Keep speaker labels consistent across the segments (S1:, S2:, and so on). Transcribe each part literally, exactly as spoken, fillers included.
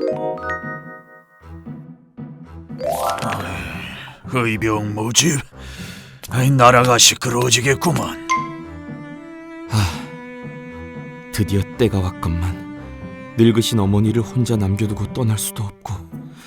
S1: 의병 모집? 아이, 나라가 시끄러워지겠구만.
S2: 드디어 때가 왔건만. 늙으신 어머니를 혼자 남겨두고 떠날 수도 없고.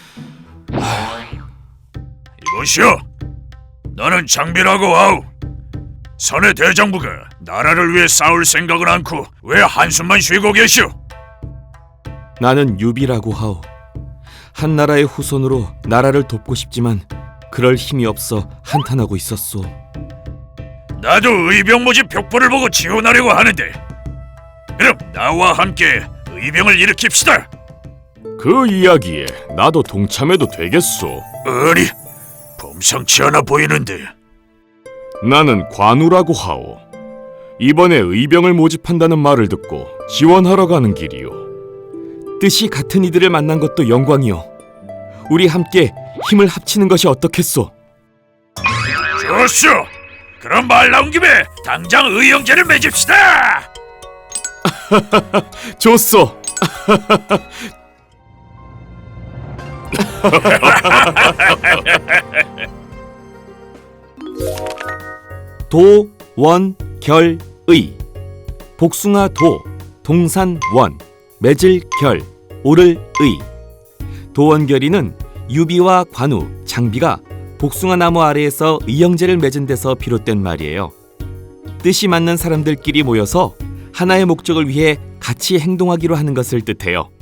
S1: 이보시오, 나는 장비라고 하오. 선의 대장부가 나라를 위해 싸울 생각은 않고 왜 한숨만 쉬고 계시오?
S2: 나는 유비라고 하오. 한 나라의 후손으로 나라를 돕고 싶지만 그럴 힘이 없어 한탄하고 있었소.
S1: 나도 의병 모집 벽보를 보고 지원하려고 하는데, 그럼 나와 함께 의병을 일으킵시다.
S3: 그 이야기에 나도 동참해도 되겠소.
S1: 아니, 범상치 않아 보이는데.
S3: 나는 관우라고 하오. 이번에 의병을 모집한다는 말을 듣고 지원하러 가는 길이오.
S2: 뜻이 같은 이들을 만난 것도 영광이요. 우리 함께 힘을 합치는 것이 어떻겠소?
S1: 좋소. 그럼 말 나온 김에 당장 의형제를 맺읍시다.
S3: 좋소.
S2: 도, 원, 결, 의. 복숭아 도, 동산 원, 맺을 결, 오를 의. 도원결의는 유비와 관우, 장비가 복숭아 나무 아래에서 의형제를 맺은 데서 비롯된 말이에요. 뜻이 맞는 사람들끼리 모여서 하나의 목적을 위해 같이 행동하기로 하는 것을 뜻해요.